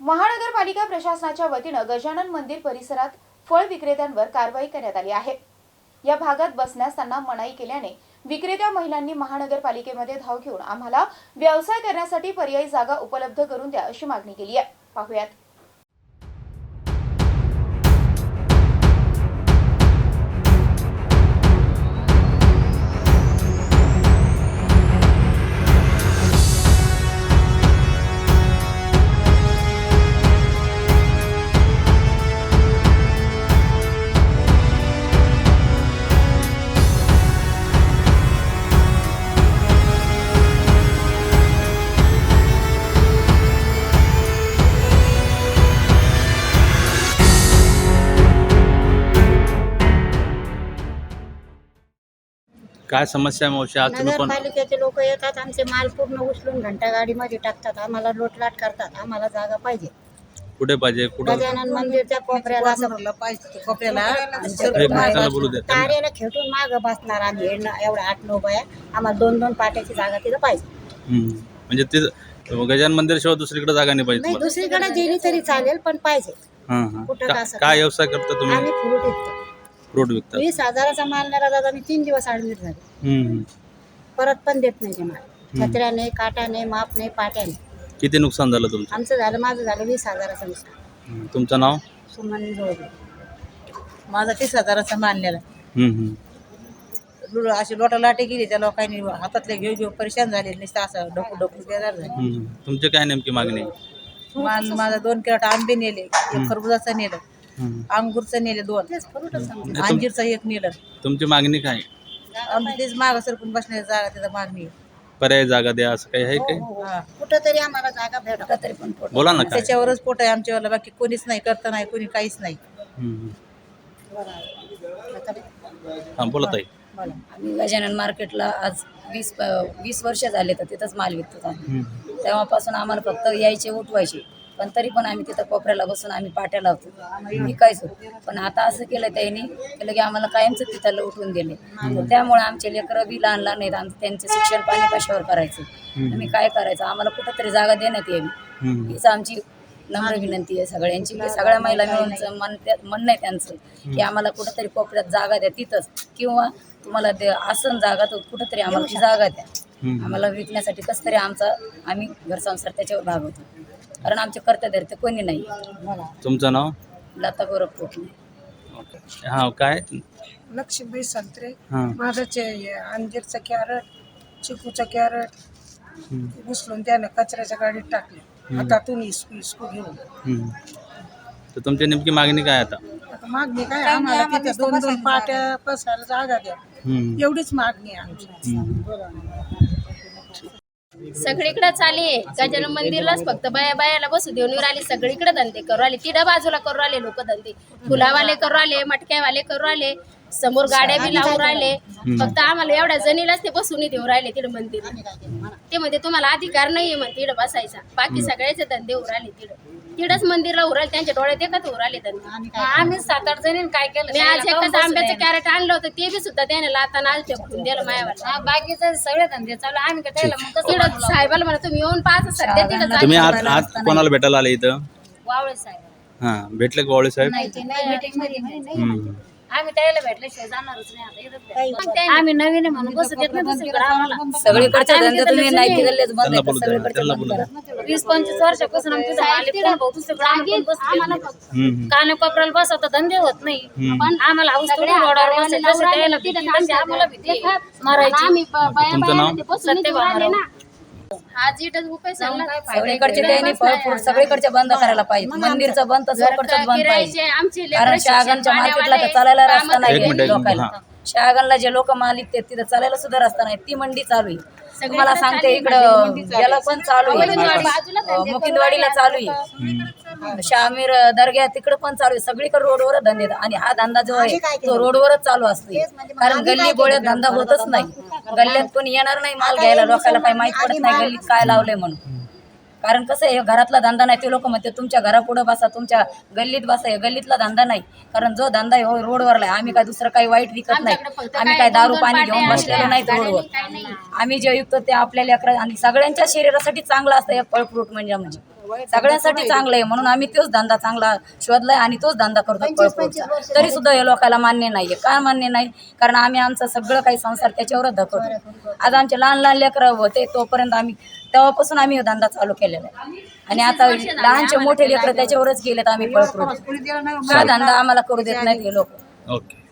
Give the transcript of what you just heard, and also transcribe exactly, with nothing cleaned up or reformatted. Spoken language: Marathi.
महानगरपालिका प्रशासनाच्या वतीने गजानन मंदिर परिसरात फळ विक्रेत्यांवर कारवाई करण्यात आली आहे। या भागात बसण्यास त्यांना मनाई केल्याने विक्रेत्या महिलांनी महानगरपालिकेमध्ये धाव घेऊन आम्हाला व्यवसाय करण्यासाठी पर्यायी जागा उपलब्ध करून द्या अशी मागणी केली आहे। पाहूयात। काय समस्या आहे मावशी? आज तुम्ही कोण? नगरपालिकेचे लोक येतात, आमचे माल पूर्ण उचलून घंटा गाडीमध्ये टाकतात, आम्हाला लोटलाट करतात। आम्हाला जागा पाहिजे, कुठे पाहिजे? कुठे? गजानन मंदिरच्या कोपऱ्याला कोपऱ्याला तारेला खेटून माग बसणार आम्ही एवढ्या आठ नऊ बाया। आम्हाला दोन दोन पाट्याची जागा तिथं पाहिजे। म्हणजे ते गजानन मंदिर शिवाय दुसरीकडे जागा नाही पाहिजे? नाही, दुसरीकडे गेली तरी चालेल, पण पाहिजे। कुठं काय व्यवसाय करता तुम्ही? आम्ही फ्रूट विकतो। फ्रूट विकता? वीस हजाराचा माल नेला दादा, मी तीन दिवस ऍडमिट झाले, परत पण देत नाही ते माल। छत्र्याने, काटाने, माप नाही, पाट्याने। किती नुकसान झालं तुमचं? आमचं झालं, माझं झालं वीस हजाराचं नुकसान। तुमचं नाव? सुमन जोडले। माझा तीस हजाराचा माल नेला। अशी लोटालाटी गेली, त्या लोकांनी हातातले घेऊ घेऊ परेशान झाले, नुसतं असं डोकू डोकू बेजार झाले। तुमची काय नेमकी मागणी? माल माझा दोन किलो आंबे नेले, एक खरबुजाचं नेलं, अंगूरचं नेले दोन, अंजीरचं एक नेलं। तुमची मागणी काय? आम्ही तेच मागं सरकून बसण्याची जागा, तिथं मागणी आहे। पर्याय जागा द्या असं काही आहे काय? कुठं तरी आम्हाला जागा भेटा तरी पण बोला ना। त्याच्यावरच पोट आहे आमच्यावाला, बाकी कोणीच नाही, करता नाही कोणी, काहीच नाही। हा बोला ताई। आम्ही गजानन मार्केटला आज वीस वीस वर्ष झाले तर तिथंच माल विकतो आम्ही। तेव्हापासून आम्हाला फक्त यायचे उठवायचे, पण तरी पण आम्ही तिथं कोपऱ्याला बसून आम्ही पाट्या लावतो, विकायचो। पण आता असं केलं त्यांनी केलं की आम्हाला कायमचं तिथं उठवून दिले। त्यामुळे आमचे लेकरं बी लहान लहान आहेत, आमचं त्यांचे शिक्षण पाणी कशावर करायचं, आम्ही काय करायचं? आम्हाला कुठंतरी जागा देण्यात यावी हीच आमची नम्र विनंती आहे सगळ्यांची, की सगळ्या महिला मिळून मन म्हणणं आहे त्यांचं की आम्हाला कुठंतरी कोपऱ्यात जागा द्या तिथंच, किंवा तुम्हाला ते आसन जागा तर कुठंतरी आम्हाला ती जागा द्या, आम्हाला विकण्यासाठी कसं तरी आमचा आम्ही घर संसार त्याच्यावर भागवतो, कारण आमचे कर्तव्य कोणी नाही। तुमचं नाव? लता गौरव पोटणे। हा काय? लक्ष्मीबाई संत्रे। माझं अंजीरचं कॅरेट, चिकूचं कॅरेट उचलून त्यानं कचऱ्याच्या गाडीत टाकले, हातातून इसकू इसकू घेऊन। तर तुमची नेमकी मागणी काय आता? आता मागणी काय? आम्हाला तिथे दोन दोन पाट्या बसायला जागा द्या, एवढीच मागणी आहे आमची। सगळीकडे चालली आहे, गजानन मंदिरलाच फक्त बाया बायाला बसू देऊन राहिले, सगळीकडे धंदे करू राहिले, तिडा बाजूला करू राहिले लोक धंदे, फुलावाले करू राहिले, मटक्यावाले करू राहिले, समोर गाड्या बी लावून राहिले। फक्त आम्हाला एवढ्या जणीलाच ते बसून देऊ राहिले तिकडे मंदिर, ते म्हणजे तुम्हाला अधिकार नाहीये मग तिकडे बसायचा, बाकी सगळ्याचे धंदे उराले तिकडे, तिडच मंदिरला उराले, त्यांच्या डोळ्यात एकच उराले धंदे। आम्ही सात आठ जणी काय केलं, मी आज एकच आंब्याचं कॅरेट आणलं होतं, ते बी सुद्धा त्याने लाताना आज फेकून दिलं मायावर। बाकीचे सगळे धंदे चालू, आम्ही काय तिकडं साहेबाला म्हणा तुम्ही येऊन पाच सध्या तिकडे। तुम्ही आज आज कोणाला भेटायला आले इथं? वावळे साहेब। हा, भेटले का वावळे साहेब? आम्ही त्याला भेटल्याशिवाय जाणारच नाही। आम्ही नवीन म्हणून बसू देत नाही दुसरीकडे आम्हाला। सगळीकडच्या धंदे तुम्ही नाही गल्लीत बंद आहे, सगळीकडच्या बंद करा। वीस पंचवीस वर्षापासून आमचं काने कोपऱ्याला बसवता धंदे होत नाही, पण आम्हाला हाऊस रोडावर बसायचं, आम्हाला भीती मारायची। तुमचं नाव? सत्यभामा ना। आज इथं उपाय सांगला, सगळीकडचे त्यांनी फळ फ्रूट सगळीकडचे बंद करायला पाहिजे, मंदिरचं बंद तर सगळीकडचं बंद पाहिजे, कारण शहागणच्या मार्केटला तर चालायला रस्ता नाही लोकांना। शहागणला जे लोक मालिक ते तिथं चालायला सुद्धा रस्ता नाही, ती मंडी चालू आहे। तुम्हाला सांगते इकडं याला पण चालू आहे, मुकिंदवाडीला चालू आहे, शामीर दर्ग्या तिकडे पण चालू आहे, सगळीकडे रोडवरच धंदे। आणि हा धंदा जो आहे तो रोडवरच चालू असतो, कारण गल्ली गोळ्यात धंदा होतच नाही, गल्ल्यात कोणी येणार नाही माल घ्यायला, लोकांना काही माहित पडत नाही गल्लीत काय लावलंय म्हणून। कारण कसं आहे, घरातला धंदा नाही, ते लोक म्हणते तुमच्या घरापुढे बसा, तुमच्या गल्लीत बसा, गल्लीतला धंदा नाही, कारण जो धंदा आहे हो रोडवरला आहे। आम्ही काय दुसरं काही वाईट विकत नाही, आम्ही काय दारू पाणी घेऊन बसलेलो नाही रोडवर, आम्ही जे विकतो ते आपल्या लेकरा आणि सगळ्यांच्या शरीरासाठी चांगलं असतं हे फळ फ्रूट म्हणजे म्हणजे सगळ्यांसाठी चांगलं आहे म्हणून आम्ही तोच धंदा चांगला शोधलाय आणि तोच धंदा करतो फळफ्रूटचा. तरी सुद्धा हे लोकांना मान्य नाहीये. का मान्य नाही? कारण आम्ही आमचं सगळं काही संसार त्याच्यावरच धकवतो. आज आमचे लहान लहान लेकरं होते तोपर्यंत आम्ही तेव्हापासून आम्ही हा धंदा चालू केलेला आहे आणि आता लहानचे मोठे लेकरं त्याच्यावरच गेलेत. आम्ही फळफ्रूट हा धंदा आम्हाला करू देत नाहीत हे लोक. ओके.